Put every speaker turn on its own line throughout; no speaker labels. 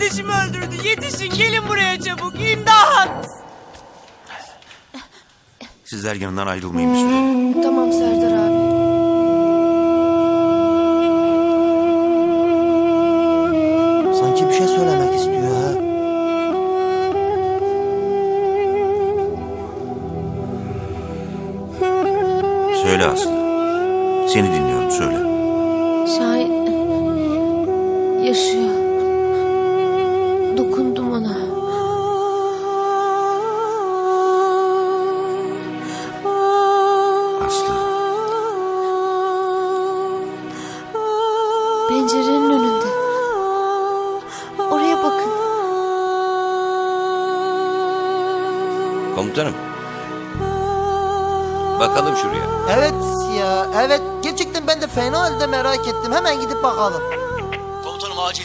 kardeşimi öldürdü. Yetişin, gelin buraya çabuk. İmdat!
Sizler yanından ayrılmayın bir süre.
Tamam Serdar abi.
Sanki bir şey söylemek istiyor ha.
Söyle Aslı. Seni dinliyorum, söyle.
Şahin yaşıyor. Dokundum ona.
Aslı.
Pencerenin önünde. Oraya bakın.
Komutanım. Bakalım şuraya.
Evet ya, evet. Gerçekten ben de fena halde merak ettim. Hemen gidip bakalım.
Komutanım acil.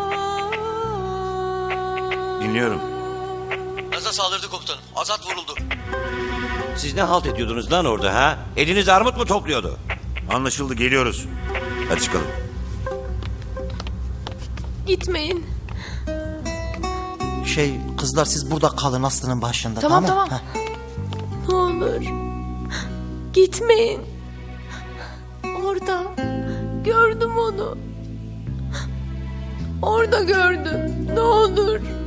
Dinliyorum.
Azat saldırdı komutanım. Azat vuruldu.
Siz ne halt ediyordunuz lan orada ha? Eliniz armut mu topluyordu?
Anlaşıldı, geliyoruz. Hadi çıkalım.
Gitmeyin.
Kızlar siz burada kalın Aslı'nın başında.
Tamam.
Heh.
Ne olur. Gitmeyin. Orada. Gördüm onu. Orada gördüm. Ne olur.